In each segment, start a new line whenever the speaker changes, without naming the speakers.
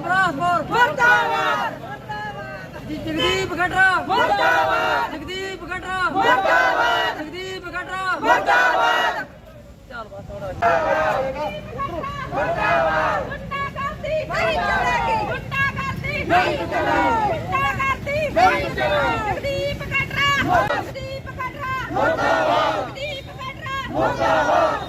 ਬਰਾਸਪੁਰ ਮੁਰਦਾਬਾਦ ਜਗਦੀਪ ਗਟਰਾ ਮੁਰਦਾਬਾਦ ਜਗਦੀਪ ਗਟਰਾ ਮੁਰਦਾਬਾਦ ਜਗਦੀਪ ਗਟਰਾ ਮੁਰਦਾਬਾਦ ਚੱਲ ਬਸ ਥੋੜਾ ਮੁਰਦਾਬਾਦ ਗੁੱਟਾ ਕਰਦੀ ਨਹੀਂ ਚਲੇਗੀ ਗੁੱਟਾ ਕਰਦੀ ਨਹੀਂ ਚਲੇਗੀ ਗੁੱਟਾ ਕਰਦੀ ਨਹੀਂ ਚਲੇਗੀ ਜਗਦੀਪ ਗਟਰਾ ਜਗਦੀਪ ਗਟਰਾ ਮੁਰਦਾਬਾਦ ਜਗਦੀਪ ਗਟਰਾ ਮੁਰਦਾਬਾਦ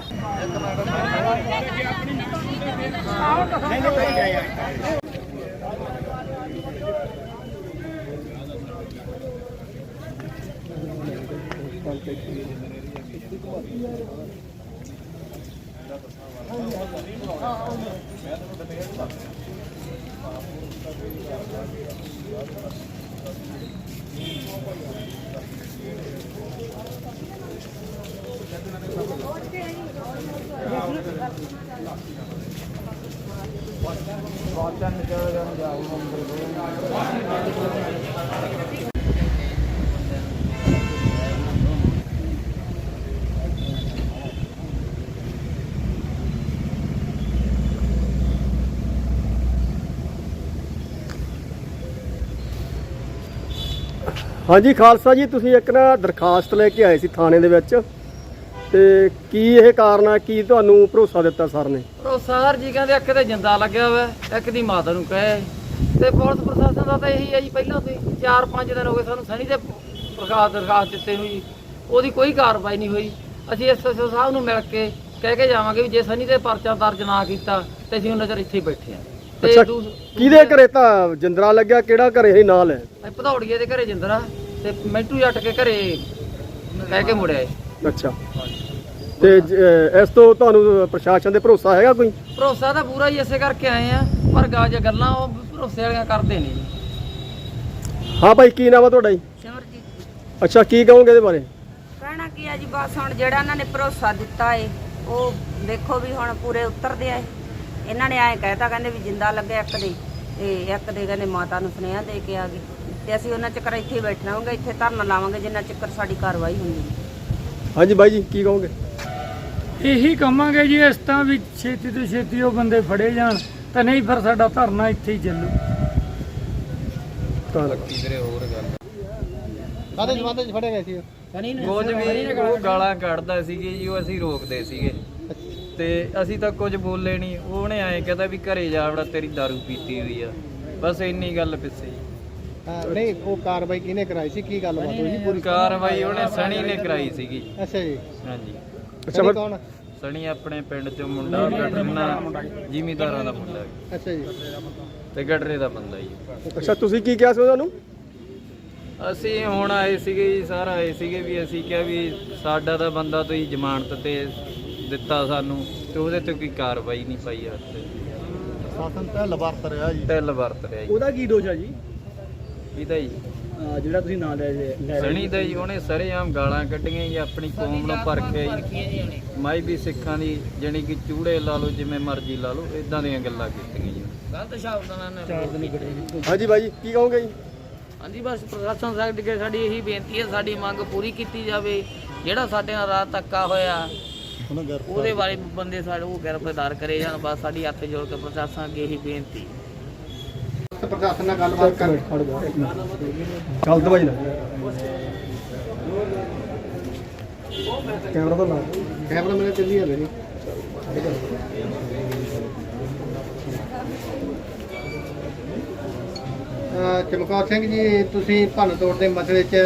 हाँ जी खालसा जी तुसीं एक ना दरखास्त लेके आए सी थाने दे विच ते की यह कारण है की तुहानूं भरोसा दिता सर ने
ਭਰੋਸਾ ਸਰ ਜੀ ਕਹਿੰਦੇ ਇੱਕ ਤੇ ਜਿੰਦਾ ਲੱਗਿਆ ਹੋਇਆ ਇੱਕ ਦੀ ਮਾਤਾ ਨੂੰ ਕਹੇ ਤੇ ਪੁਲਿਸ ਪ੍ਰਸ਼ਾਸਨ ਦਾ ਤਾਂ ਇਹੀ ਹੈ ਜੀ ਪਹਿਲਾਂ ਤੋਂ 4-5 ਦਿਨ ਹੋ ਗਏ ਸਾਨੂੰ ਸਣੀ ਦੇ ਦਰਖਾਸਤ ਦਿੱਤੇ ਨੂੰ ਜੀ ਉਹਦੀ ਕੋਈ ਕਾਰਵਾਈ ਨਹੀਂ ਹੋਈ ਅਸੀਂ ਐਸਐਸਓ ਸਾਹਿਬ ਨੂੰ ਮਿਲ ਕੇ ਕਹਿ ਕੇ ਜਾਵਾਂਗੇ ਵੀ ਜੇ ਸਣੀ ਦੇ ਪਰਚਾ ਦਰਜ ਨਾ ਕੀਤਾ ਤੇ ਅਸੀਂ ਉਹਨਾਂ ਚਿਰ ਇੱਥੇ ਹੀ ਬੈਠੇ ਆ
ਅੱਛਾ ਕਿਹਦੇ ਘਰੇ ਤਾਂ ਜਿੰਦਰਾ ਲੱਗਿਆ ਕਿਹੜਾ ਘਰੇ ਇਹ ਨਾਲ ਹੈ
ਭਦੌੜੀਏ ਦੇ ਘਰੇ ਜਿੰਦਰਾ ਤੇ ਮਿੰਟੂ ਜੱਟ ਕੇ ਘਰੇ ਕਹਿ ਕੇ ਮੁੜਿਆ ਏ
ਅੱਛਾ ਤੇ ਇਸ ਤੋਂ ਤੁਹਾਨੂੰ ਪ੍ਰਸ਼ਾਸਨ ਦੇ ਭਰੋਸਾ ਹੈਗਾ ਕੋਈ
ਭਰੋਸਾ ਤਾਂ ਪੂਰਾ ਹੀ ਇਸੇ ਕਰਕੇ ਆਏ ਆ ਪਰ ਗਾਜ ਗੱਲਾਂ ਉਹ ਭਰੋਸੇ ਵਾਲੀਆਂ ਕਰਦੇ ਨਹੀਂ
ਹਾਂ ਭਾਈ ਕੀ ਨਾਮ ਆ ਤੁਹਾਡਾ ਜੀ
ਸਿਮਰਜੀਤ
ਅੱਛਾ ਕੀ ਕਹੋਗੇ ਇਹਦੇ ਬਾਰੇ
ਕਹਿਣਾ ਕੀ ਆ ਜੀ ਬਸ ਹੁਣ ਜਿਹੜਾ ਇਹਨਾਂ ਨੇ ਭਰੋਸਾ ਦਿੱਤਾ ਏ ਉਹ ਦੇਖੋ ਵੀ ਹੁਣ ਪੂਰੇ ਉਤਰਦੇ ਆ ਇਹਨਾਂ ਨੇ ਐਂ ਕਹਿਤਾ ਕਹਿੰਦੇ ਵੀ ਜਿੰਦਾ ਲੱਗਿਆ ਇੱਕ ਦੇ ਤੇ ਇੱਕ ਦੇ ਕਹਿੰਦੇ ਮਾਤਾ ਨੂੰ ਸੁਨੇਹਾ ਦੇ ਕੇ ਆ ਗਏ ਤੇ ਅਸੀਂ ਉਹਨਾਂ ਚੱਕਰ ਇੱਥੇ ਹੀ ਬੈਠਣਾ ਹੋਵਾਂਗੇ ਇੱਥੇ ਧਰਨਾ ਲਾਵਾਂਗੇ ਜਿੰਨਾ ਚੱਕਰ ਸਾਡੀ ਕਾਰਵਾਈ ਹੁੰਦੀ ਹੈ
ਹਾਂਜੀ ਬਾਈ ਜੀ ਕੀ ਕਹੋਗੇ
ਇਹੀ ਕਹਾਂਗੇ ਜੀ ਇਸ ਤਾਂ ਵੀ ਛੇਤੀ ਤੋਂ ਛੇਤੀ ਉਹ ਬੰਦੇ ਫੜੇ ਜਾਣ ਤਾਂ ਨਹੀਂ ਫਿਰ ਸਾਡਾ ਧਰਨਾ ਇੱਥੇ ਹੀ ਚੱਲੂ
ਕਾਹਦੇ ਜਵਾਦੇ ਚ ਫੜੇ ਗਏ ਸੀ
ਕੁਝ ਵੀ ਉਹ ਗਾਲਾਂ ਕੱਢਦਾ ਸੀਗੇ ਜੀ ਉਹ ਅਸੀਂ ਰੋਕਦੇ ਸੀਗੇ ਤੇ ਅਸੀਂ ਤਾਂ ਕੁਝ ਬੋਲੇ ਨਹੀਂ ਉਹਨੇ ਐਂ ਕਹਿੰਦਾ ਵੀ ਘਰੇ ਜਾ ਵੜਾ ਤੇਰੀ ਦਾਰੂ ਪੀਤੀ ਹੋਈ ਆ ਬਸ ਇੰਨੀ ਗੱਲ ਪਿੱਛੇ ਜੀ
ਨਹੀਂ ਉਹ ਕਾਰਵਾਈ ਕਿਹਨੇ ਕਰਾਈ ਸੀ ਕੀ ਗੱਲਬਾਤ ਹੋਈ ਸੀ ਪੂਰੀ
ਕਾਰਵਾਈ ਉਹਨੇ ਸਣੀ ਨੇ ਕਰਾਈ ਸੀਗੀ
ਅੱਛਾ ਜੀ
ਹਾਂਜੀ
ਅੱਛਾ ਕੌਣ
ਸਣੀ ਆਪਣੇ ਪਿੰਡ ਚੋਂ ਮੁੰਡਾ ਗਟਰਨਾ ਜ਼ਿਮੀਦਾਰਾਂ ਦਾ ਮੁੰਡਾ
ਅੱਛਾ ਜੀ
ਤੇ ਗਟਰੇ ਦਾ ਬੰਦਾ ਜੀ
ਅੱਛਾ ਤੁਸੀਂ ਕੀ ਕਿਹਾ ਸੀ ਤੁਹਾਨੂੰ
ਅਸੀਂ ਹੁਣ ਆਏ ਸੀਗੇ ਜੀ ਸਾਰਾ ਆਏ ਸੀਗੇ ਵੀ ਅਸੀਂ ਕਿਹਾ ਵੀ ਸਾਡਾ ਤਾਂ ਬੰਦਾ ਤੁਸੀਂ ਜ਼ਮਾਨਤ ਤੇ ਦਿੱਤਾ ਸਾਨੂੰ ਤੇ ਉਹਦੇ ਤੇ ਕੋਈ ਕਾਰਵਾਈ ਨਹੀਂ ਪਾਈ ਹੱਥ ਤੇ
ਸ਼ਾਸਨ ਢਿੱਲ ਵਰਤ ਰਿਹਾ ਜੀ
ਢਿੱਲ ਵਰਤ ਰਿਹਾ ਜੀ
ਉਹਦਾ ਕੀ ਦੋਸ਼ ਹੈ ਜੀ
ਇਹਦਾ ਜੀ
ਜਿਹੜਾ ਤੁਸੀਂ ਨਾਂ ਲੈ
ਸਣੀ ਦਾ ਜੀ ਉਹਨੇ ਸਰੇਆਮ ਗਾਲਾਂ ਕੱਢੀਆਂ ਜੀ ਆਪਣੀ ਕੌਮ ਨੂੰ ਭਰਖਿਆ ਜੀ ਮਾਈ ਵੀ ਸਿੱਖਾਂ ਦੀ ਜਾਣੀ ਕਿ ਚੂੜੇ ਲਾ ਲਓ ਜਿਵੇਂ ਮਰਜ਼ੀ ਲਾ ਲਓ ਇਦਾਂ ਦੀਆਂ ਗੱਲਾਂ ਕੀਤੀਆਂ ਜੀ
ਗਲਤ ਸ਼ਬਦਾਂ ਨਾਲ
ਹਾਂਜੀ ਬਾਈ ਜੀ ਕੀ ਕਹੋਗੇ ਜੀ
ਹਾਂਜੀ ਬਸ ਪ੍ਰਸ਼ਾਸਨ ਸਾਹਿਬ ਅੱਗੇ ਸਾਡੀ ਇਹੀ ਬੇਨਤੀ ਹੈ ਸਾਡੀ ਮੰਗ ਪੂਰੀ ਕੀਤੀ ਜਾਵੇ ਜਿਹੜਾ ਸਾਡੇ ਨਾਲ ਰਾਤ ਧੱਕਾ ਹੋਇਆ ਉਹਦੇ ਬਾਰੇ ਬੰਦੇ ਸਾਡੇ ਉਹ ਗ੍ਰਿਫਤਾਰ ਕਰੇ ਜਾਣ ਬਸ ਸਾਡੀ ਹੱਥ ਜੋੜ ਕੇ ਪ੍ਰਸ਼ਾਸਨ ਅੱਗੇ ਇਹੀ ਬੇਨਤੀ
ਪ੍ਰਸ਼ਾਸਨ ਨਾਲ ਗੱਲਬਾਤ ਕਰ ਚੱਲ ਦਵਾਈ ਨਾ ਕੈਮਰਾ ਤਾਂ ਲਾ ਕੈਮਰਾ ਮੇਰੇ ਚੱਲੀ ਜਾਂਦੇ ਨਹੀਂ ਚਮਕੌਰ ਸਿੰਘ ਜੀ ਤੁਸੀਂ ਭੰਨ ਤੋੜ ਦੇ ਮਸਲੇ 'ਚ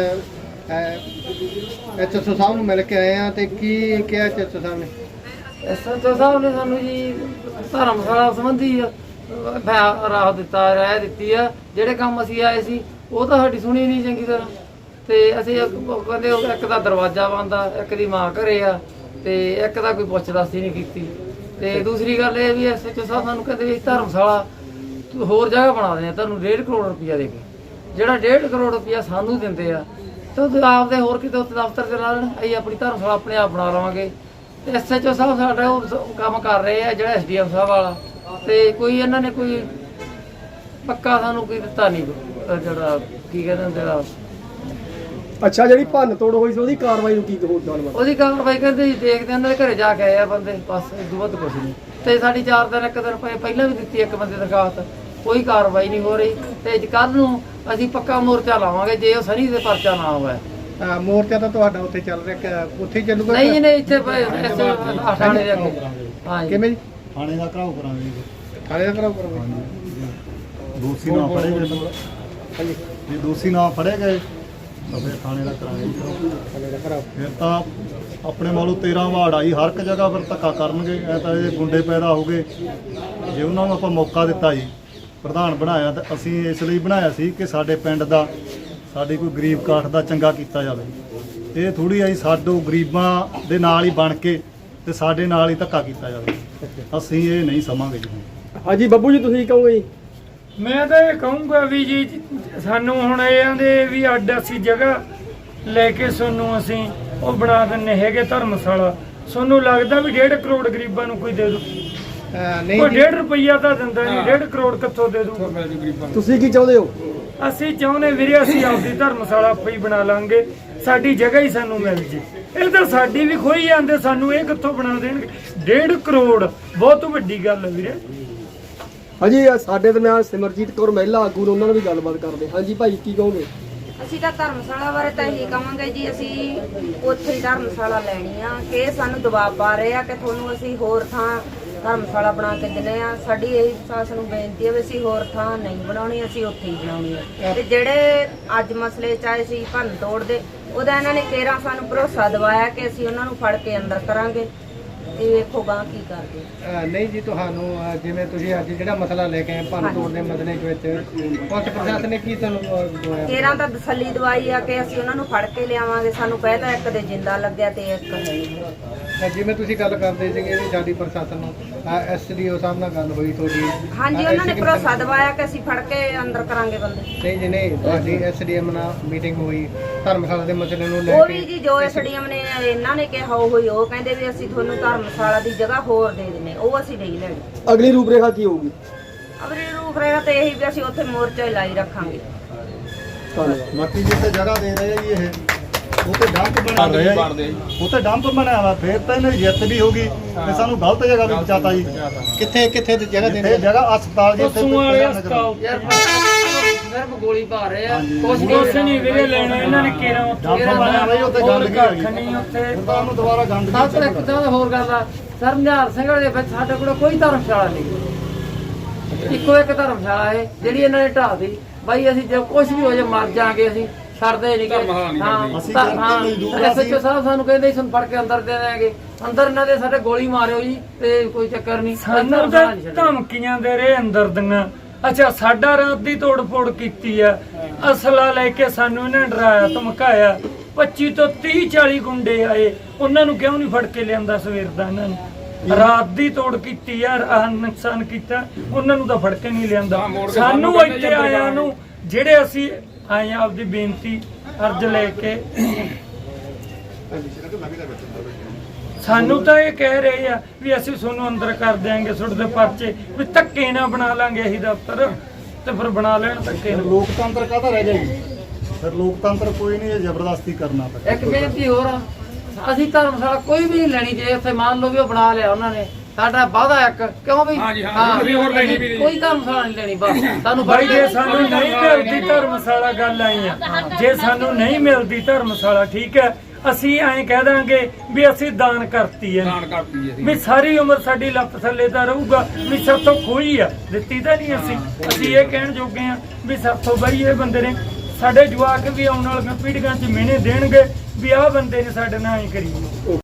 ਐਸਐਸਓ ਸਾਹਿਬ ਨੂੰ ਮਿਲ ਕੇ ਆਏ ਆ ਤੇ ਕੀ ਕਿਹਾ ਐਸਐਸਓ ਸਾਹਿਬ ਨੇ
ਐਸਐਚਓ ਸਾਹਿਬ ਨੇ ਸਾਨੂੰ ਜੀ ਧਰਮਸ਼ਾਲਾ ਸੰਬੰਧੀ ਰਾਹ ਦਿੱਤਾ ਰਾਇ ਦਿੱਤੀ ਆ ਜਿਹੜੇ ਕੰਮ ਅਸੀਂ ਆਏ ਸੀ ਉਹ ਤਾਂ ਸਾਡੀ ਸੁਣੀ ਨਹੀਂ ਚੰਗੀ ਤਰ੍ਹਾਂ ਤੇ ਅਸੀਂ ਕਹਿੰਦੇ ਇੱਕ ਦਾ ਦਰਵਾਜ਼ਾ ਬੰਦ ਆ ਇੱਕ ਦੀ ਮਾਂ ਘਰੇ ਆ ਤੇ ਇੱਕ ਦਾ ਕੋਈ ਪੁੱਛ ਦੱਸ ਹੀ ਨਹੀਂ ਕੀਤੀ ਤੇ ਦੂਸਰੀ ਗੱਲ ਇਹ ਵੀ ਐਸਐਚਓ ਸਾਹਿਬ ਸਾਨੂੰ ਕਹਿੰਦੇ ਵੀ ਧਰਮਸ਼ਾਲਾ ਹੋਰ ਜਗ੍ਹਾ ਬਣਾ ਦੇਣੀ ਤੁਹਾਨੂੰ 1.5 ਕਰੋੜ ਰੁਪਇਆ ਦੇ ਕੇ ਜਿਹੜਾ 1.5 ਕਰੋੜ ਰੁਪਇਆ ਸਾਨੂੰ ਦਿੰਦੇ ਆ ਤੇ ਉਹ ਆਪਦੇ ਹੋਰ ਕਿਤੇ ਉੱਥੇ ਦਫ਼ਤਰ ਤੇ ਲਾ ਲੈਣ ਅਸੀਂ ਆਪਣੀ ਧਰਮਸ਼ਾਲਾ ਆਪਣੇ ਆਪ ਬਣਾ ਲਵਾਂਗੇ ਤੇ ਐਸਐਚਓ ਸਾਹਿਬ ਸਾਡਾ ਉਹ ਕੰਮ ਕਰ ਰਹੇ ਆ ਜਿਹੜਾ ਐਸਡੀਐਮ ਸਾਹਿਬ ਵਾਲਾ ਤੇ ਕੋਈ ਇਹਨਾਂ ਨੇ ਕੋਈ ਪੱਕਾ ਸਾਨੂੰ ਕੋਈ ਦਿੱਤਾ ਨਹੀਂ ਜਿਹੜਾ ਕੀ ਕਹਿੰਦੇ ਹੁੰਦੇ ਆ
ਅੱਛਾ ਜਿਹੜੀ ਭੰਨ ਤੋੜ ਹੋਈ ਸੀ ਉਹਦੀ ਕਾਰਵਾਈ ਨੂੰ ਕੀ ਗੱਲਬਾਤ
ਉਹਦੀ ਕਾਰਵਾਈ ਕਰਦੇ ਜੀ ਦੇਖਦੇ ਉਹਨਾਂ ਦੇ ਘਰੇ ਜਾ ਕੇ ਆਏ ਆ ਬੰਦੇ ਬਸ ਇਸ ਤੋਂ ਵੱਧ ਕੁਛ ਨਹੀਂ ਤੇ ਸਾਡੀ 4 ਦਿਨ ਇੱਕ ਦਿਨ ਪਹਿਲਾਂ ਵੀ ਦਿੱਤੀ ਇੱਕ ਬੰਦੇ ਦਰਖਾਸਤ ਕੋਈ ਕਾਰਵਾਈ ਨਹੀਂ ਹੋ ਰਹੀ ਤੇ ਕੱਲ ਨੂੰ ਅਸੀਂ ਪੱਕਾ ਮੋਰਚਾ ਲਾਵਾਂਗੇ ਜੇ ਉਹ ਸਨੀ ਦੇ ਪਰਚਾ ਨਾ ਹੋਵੇ।
ਮੋਰਚਾ ਤਾਂ ਤੁਹਾਡਾ ਉੱਥੇ ਚੱਲ ਰਿਹਾ, ਉੱਥੇ ਹੀ ਚੱਲੂਗਾ?
ਨਹੀਂ ਜੀ ਨਹੀਂ, ਇੱਥੇ ਥਾਣੇ ਦੇ ਅੱਗੇ। ਹਾਂ ਜੀ।
ਕਿਵੇਂ ਜੀ?
ਥਾਣੇ ਦਾ ਘਰਾਓ ਕਰਾਂਗੇ ਜੀ।
ਥਾਣੇ ਦਾ ਕਰਾਓ ਕਰੋ।
ਦੋਸ਼ੀ ਨਾ ਫੜੇ ਗਏ
ਹਾਂਜੀ,
ਜੇ ਦੋਸ਼ੀ ਨਾ ਫੜੇ ਗਏ ਤਾਂ ਫਿਰ ਥਾਣੇ ਦਾ ਕਰਾਂਗੇ ਜੀ ਘਰਾਓ।
ਥਾਣੇ ਦਾ ਕਰਾਓ।
ਫਿਰ ਤਾਂ ਆਪਣੇ ਵੱਲੋਂ 13 ਵਾਰਡ ਆਈ ਹਰ ਇੱਕ ਜਗ੍ਹਾ ਫਿਰ ਧੱਕਾ ਕਰਨਗੇ। ਐ ਤਾਂ ਇਹ ਗੁੰਡੇ ਪੈਦਾ ਹੋ ਗਏ। ਜੇ ਉਹਨਾਂ ਨੂੰ ਆਪਾਂ ਮੌਕਾ ਦਿੱਤਾ ਜੀ, ਪ੍ਰਧਾਨ ਬਣਾਇਆ ਤਾਂ ਅਸੀਂ ਇਸ ਲਈ ਬਣਾਇਆ ਸੀ ਕਿ ਸਾਡੇ ਪਿੰਡ ਦਾ, ਸਾਡੀ ਕੋਈ ਗਰੀਬ ਕਾਠ ਦਾ ਚੰਗਾ ਕੀਤਾ ਜਾਵੇ। ਇਹ ਥੋੜੀ ਆਈ ਸਾਡੋ ਗਰੀਬਾਂ ਦੇ ਨਾਲ ਹੀ ਬਣ ਕੇ ਤੇ ਸਾਡੇ ਨਾਲ ਹੀ ਧੱਕਾ ਕੀਤਾ ਜਾਵੇ। ਅਸੀਂ ਇਹ ਨਹੀਂ ਸਮਾਂਗੇ ਜੀ।
ਹਾਂਜੀ ਬੱਬੂ ਜੀ, ਤੁਸੀਂ ਕਹੋਗੇ ਜੀ?
ਮੈਂ ਤਾਂ ਇਹ ਕਹੂੰਗਾ ਵੀ ਜੀ ਸਾਨੂੰ ਹੁਣ ਇਹਨਾਂ ਦੇ ਵੀ ਅੱਡ ਅਸੀਂ ਜਗ੍ਹਾ ਲੈ ਕੇ ਸਾਨੂੰ ਅਸੀਂ ਉਹ ਬਣਾ ਦਿੰਨੇ ਹੈਗੇ ਧਰਮਸ਼ਾਲਾ। ਸਾਨੂੰ ਲੱਗਦਾ ਵੀ 1.5 ਕਰੋੜ ਗਰੀਬਾਂ ਨੂੰ ਕੋਈ ਦੇ ਦੂ? ਕੋਈ 1.5 ਰੁਪਈਆ ਤਾਂ ਦਿੰਦਾ ਨਹੀਂ, 1.5 ਕਰੋੜ ਕਿੱਥੋਂ ਦੇ ਦੂ?
ਤੁਸੀਂ ਕੀ ਚਾਹੁੰਦੇ ਹੋ?
ਅਸੀਂ ਚਾਹੁੰਦੇ ਵੀਰੇ ਅਸੀਂ ਆਪਦੀ ਧਰਮਸ਼ਾਲਾ ਆਪੇ ਹੀ ਬਣਾ ਲਾਂਗੇ, ਸਾਡੀ ਜਗ੍ਹਾ ਹੀ ਸਾਨੂੰ ਮਿਲ ਜੇ। ਇਹ ਤਾਂ ਸਾਡੀ ਵੀ ਖੋਈ ਜਾਂਦੇ, ਸਾਨੂੰ ਇਹ ਕਿੱਥੋਂ ਬਣਾ ਦੇਣਗੇ? 1.5 ਕਰੋੜ ਬਹੁਤ ਵੱਡੀ ਗੱਲ ਹੈ ਵੀਰੇ।
ਹਾਂਜੀ, ਸਾਡੇ ਦਰਮਿਆਨ ਸਿਮਰਜੀਤ ਕੌਰ ਮਹਿਲਾ ਆਗੂ ਨੇ, ਉਹਨਾਂ ਨਾਲ ਵੀ ਗੱਲਬਾਤ ਕਰਦੇ। ਹਾਂਜੀ ਭਾਈ, ਕੀ ਕਹੋਗੇ?
ਅਸੀਂ ਤਾਂ ਧਰਮਸ਼ਾਲਾ ਬਾਰੇ ਤਾਂ ਇਹੀ ਕਹਾਂਗੇ ਜੀ, ਅਸੀਂ ਉੱਥੇ ਹੀ ਧਰਮਸ਼ਾਲਾ ਲੈਣੀ ਆ ਕਿ ਇਹ ਸਾਨੂੰ ਦਬਾਅ ਪਾ ਰਹੇ ਆ ਕਿ ਤੁਹਾਨੂੰ ਅਸੀਂ ਹੋਰ ਥਾਂ ਧਰਮਸ਼ਾਲਾ ਬਣਾ ਕੇ ਦਿੰਦੇ ਆ। ਸਾਡੀ ਇਹ ਸਾਸ ਨੂੰ ਬੇਨਤੀ ਹੈ ਵੀ ਅਸੀਂ ਹੋਰ ਥਾਂ ਨਹੀਂ ਬਣਾਉਣੀ, ਅਸੀਂ ਉੱਥੇ ਹੀ ਬਣਾਉਣੀ ਆ। ਤੇ ਜਿਹੜੇ ਅੱਜ ਮਸਲੇ ਚਾਹੇ ਸੀ ਭੰਨ ਤੋੜ ਦੇ, ਉਹਦਾ ਇਹਨਾਂ ਨੇ ਕੇਰਾਂ ਸਾਨੂੰ ਭਰੋਸਾ ਦਿਵਾਇਆ ਕਿ ਅਸੀਂ ਉਹਨਾਂ ਨੂੰ ਫੜ ਕੇ ਅੰਦਰ ਕਰਾਂਗੇ। ਇਹ ਵੇਖੋ ਗਾਂ ਕੀ ਕਰਦੇ।
ਨਹੀਂ ਜੀ, ਤੁਹਾਨੂੰ ਜਿਵੇਂ ਤੁਸੀਂ ਅੱਜ ਜਿਹੜਾ ਮਸਲਾ ਲੈ ਕੇ ਆਏ ਭੰਨ ਤੋੜ ਦੇ ਮਸਲੇ ਵਿੱਚ, ਪੁਲਿਸ ਪ੍ਰਸ਼ਾਸਨ ਨੇ ਕੀ ਤੁਹਾਨੂੰ ਦਵਾਇਆ?
ਕੇਰਾਂ ਤਾਂ ਤਸੱਲੀ ਦਵਾਈ ਆ ਕਿ ਅਸੀਂ ਉਹਨਾਂ ਨੂੰ ਫੜ ਕੇ ਲਿਆਵਾਂਗੇ। ਸਾਨੂੰ ਕਹਿਤਾ ਇੱਕ ਦੇ ਜਿੰਦਾ ਲੱਗਿਆ ਤੇ ਇੱਕ ਹੈ ਨਹੀਂ।
ਜਿਵੇਂ ਤੁਸੀਂ ਗੱਲ ਕਰਦੇ ਸੀਗੇ ਵੀ ਸਾਡੀ ਪ੍ਰਸ਼ਾਸਨ ਨੂੰ ਐਸਡੀਓ ਸਾਹਿਬ ਨਾਲ ਗੱਲ ਹੋਈ ਤੁਹਾਡੀ?
ਹਾਂਜੀ, ਉਹਨਾਂ ਨੇ ਭਰੋਸਾ ਦਿਵਾਇਆ ਕਿ ਅਸੀਂ ਫੜ ਕੇ ਅੰਦਰ ਕਰਾਂਗੇ ਬੰਦੇ।
ਨਹੀਂ ਜੀ ਨਹੀਂ, ਤੁਹਾਡੀ ਐਸਡੀਐਮ ਨਾਲ ਮੀਟਿੰਗ ਹੋਈ ਧਰਮਸ਼ਾਲਾ ਦੇ ਮਸਲੇ ਨੂੰ ਲੈ
ਉਹ
ਕੇ?
ਵੀ ਜੀ ਜੋ ਐਸਡੀਐਮ ਨੇ ਇਹਨਾਂ ਨੇ ਕਿਹਾ ਉਹ ਹੋਈ, ਉਹ ਕਹਿੰਦੇ ਵੀ ਅਸੀਂ ਤੁਹਾਨੂੰ ਧਰਮਸ਼ਾਲਾ ਦੀ ਜਗ੍ਹਾ ਹੋਰ ਦੇ ਦਿੰਨੇ, ਉਹ ਅਸੀਂ ਨਹੀਂ ਲੈਣੀ।
ਅਗਲੀ ਰੂਪਰੇਖਾ ਕੀ ਹੋਊਗੀ?
ਅਗਲੀ ਰੂਪ ਰਹੇਗਾ ਤੇ ਇਹੀ ਵੀ ਅਸੀਂ ਉੱਥੇ ਮੋਰਚਾ ਹੀ ਲਾਈ ਰੱਖਾਂਗੇ।
ਧੰਨਵਾਦ।
ਬਾਕੀ ਜਿੱਥੇ ਜਗ੍ਹਾ ਦੇ ਰਹੇ ਆ ਜੀ ਇਹ, ਉਹ ਤੇ ਡੰਪ ਬਣਾ ਰਹੇ ਆ ਜੀ। ਉਹ ਤੇ ਡੰਪ ਬਣਾਇਆ ਵਾ, ਫਿਰ ਤਾਂ ਇਹਨਾਂ ਦੀ ਜਿੱਤ ਵੀ ਹੋਗੀ ਤੇ ਸਾਨੂੰ ਗਲਤ ਜਗ੍ਹਾ ਵੀ ਬਚਾਤਾ ਜੀ।
ਕਿੱਥੇ ਦੀ ਜਗ੍ਹਾ
ਇਹ ਜਗ੍ਹਾ ਹਸਪਤਾਲ ਜੀ, ਇੱਥੇ
ਪਸ਼ੂਆਂ ਵਾਲੇ ਹਸਪਤਾਲ
ਯਾਰ ਸਿਰਫ ਗੋਲੀ ਪਾ ਰਹੇ ਆ, ਕੁਛ
ਕੁਛ ਨਹੀਂ ਵੀਰੇ ਲੈਣਾ ਇਹਨਾਂ ਨੇ ਕੇਰਾਂ ਉੱਥੇ।
ਡੰਪ ਬਣਿਆ ਵਾ ਜੀ, ਉੱਥੇ
ਹੋਰ
ਗੰਦਗੀ
ਕੱਖ
ਹੈਗੀ।
ਨਹੀਂ ਉੱਥੇ।
ਫਿਰ ਤਾਂ ਉਹਨੂੰ ਦੁਬਾਰਾ ਗੰਦਗੀ
ਸਭ ਤੋਂ ਇੱਕ ਤਾਂ ਹੋਰ ਗੱਲ ਆ, ਸਰ ਨਿਹਾਲ ਸਿੰਘ ਦੇ ਵਿੱਚ ਸਾਡੇ ਕੋਲ ਕੋਈ ਧਰਮਸ਼ਾਲਾ ਨਹੀਂ। ਇੱਕੋ ਇੱਕ ਧਰਮਸ਼ਾਲਾ ਹੈ ਜਿਹੜੀ ਇਹਨਾਂ ਨੇ ਢਾਹ ਦੀ। ਬਾਈ ਅਸੀਂ ਜੇ ਕੁਝ ਵੀ ਹੋ ਜਾ ਮਰ ਜਾਾਂਗੇ, ਅਸੀਂ ਛੱਡਦੇ ਨਹੀਂ ਕਿ ਹਾਂ
ਅਸੀਂ ਮਜ਼ਦੂਰ
ਐਸਐਚਓ ਸਾਹਿਬ ਸਾਨੂੰ ਕਹਿੰਦੇ ਸਾਨੂੰ ਫੜ ਕੇ ਅੰਦਰ ਦੇ ਦੇਣਗੇ। ਅੰਦਰ ਇਹਨਾਂ ਦੇ ਸਾਡੇ ਗੋਲੀ ਮਾਰਿਓ ਜੀ ਤੇ ਕੋਈ ਚੱਕਰ ਨਹੀਂ।
ਸਾਨੂੰ ਤਾਂ ਧਮਕੀਆਂ ਦੇ ਰਹੇ ਅੰਦਰ ਦੀਆਂ। ਅੱਛਾ, ਸਾਡਾ ਰਾਤ ਦੀ ਤੋੜ ਫੋੜ ਕੀਤੀ ਆ, ਅਸਲਾ ਲੈ ਕੇ ਸਾਨੂੰ ਇਹਨਾਂ ਨੇ ਡਰਾਇਆ ਧਮਕਾਇਆ। 25 ਤੋਂ 30-40 ਗੁੰਡੇ ਆਏ, ਉਹਨਾਂ ਨੂੰ ਕਿਉਂ ਨਹੀਂ ਫੜ ਕੇ ਲਿਆਂਦਾ ਸਵੇਰ ਦਾ? ਇਹਨਾਂ ਨੇ ਰਾਤ ਦੀ ਤੋੜ ਕੀਤੀ ਯਾਰ, ਨੁਕਸਾਨ ਕੀਤਾ, ਉਹਨਾਂ ਨੂੰ ਤਾਂ ਫੜ ਕੇ ਨਹੀਂ ਲਿਆਂਦਾ। ਸਾਨੂੰ ਇੱਥੇ ਆਇਆਂ ਨੂੰ ਜਿਹੜੇ ਅਸੀਂ ਆਏ ਆ ਆਪਦੀ ਬੇਨਤੀ ਅਰਜ਼ ਲੈ ਕੇ, ਸਾਨੂੰ ਤਾਂ ਇਹ ਕਹਿ ਰਹੇ ਆ ਵੀ ਅਸੀਂ ਤੁਹਾਨੂੰ ਅੰਦਰ ਕਰ ਦਿਆਂਗੇ, ਤੁਹਾਡੇ ਦੇ ਪਰਚੇ ਵੀ ਧੱਕੇ ਨਾ ਬਣਾ ਲਾਂਗੇ ਅਸੀਂ ਦਫ਼ਤਰ, ਤੇ ਫਿਰ ਬਣਾ ਲੈਣ ਧੱਕੇ ਨਾਲ।
ਲੋਕਤੰਤਰ ਕਾਹਦਾ ਰਹਿ ਗਿਆ ਜੀ? ਫਿਰ ਲੋਕਤੰਤਰ ਕੋਈ ਨਹੀਂ, ਇਹ ਜ਼ਬਰਦਸਤੀ ਕਰਨਾ ਪੈਂਦਾ।
ਇੱਕ ਬੇਨਤੀ ਹੋਰ ਆ, ਅਸੀਂ ਧਰਮਸ਼ਾਲਾ ਕੋਈ ਵੀ ਨਹੀਂ ਲੈਣੀ। ਜੇ ਉੱਥੇ ਮੰਨ ਲਓ ਵੀ ਉਹ ਬਣਾ ਲਿਆ ਉਹਨਾਂ ਨੇ, ਸਾਡਾ ਵਾਅਦਾ ਇੱਕ ਕਿਉਂ ਵੀ ਹਾਂ ਕੋਈ ਧਰਮਸ਼ਾਲਾ ਨਹੀਂ ਲੈਣੀ। ਬਸ ਸਾਨੂੰ
ਬਾਈ ਜੇ ਸਾਨੂੰ ਨਹੀਂ ਮਿਲਦੀ ਧਰਮਸ਼ਾਲਾ, ਗੱਲ ਆਈ ਆ, ਜੇ ਸਾਨੂੰ ਨਹੀਂ ਮਿਲਦੀ ਧਰਮਸ਼ਾਲਾ, ਠੀਕ ਹੈ, ਅਸੀਂ ਐਂ ਕਹਿ ਦਾਂਗੇ ਵੀ ਅਸੀਂ ਦਾਨ ਕਰਤੀ ਹੈ, ਵੀ ਸਾਰੀ ਉਮਰ ਸਾਡੀ ਲੱਤ ਥੱਲੇ ਤਾਂ ਰਹੂਗਾ, ਵੀ ਸਾਥੋਂ ਖੋਈ ਆ, ਦਿੱਤੀ ਤਾਂ ਨਹੀਂ। ਅਸੀਂ ਇਹ ਕਹਿਣ ਜੋਗੇ ਆ ਵੀ ਸਾਥੋਂ ਬਾਈ ਇਹ ਬੰਦੇ ਨੇ, ਸਾਡੇ ਜਵਾਕ ਵੀ ਆਉਣ ਵਾਲੀਆਂ ਪੀੜ੍ਹੀਆਂ 'ਚ ਮਿਹਨੇ ਦੇਣਗੇ ਵੀ ਆਹ ਬੰਦੇ ਨੇ ਸਾਡੇ ਨਾਲ ਐਂ ਕਰੀ।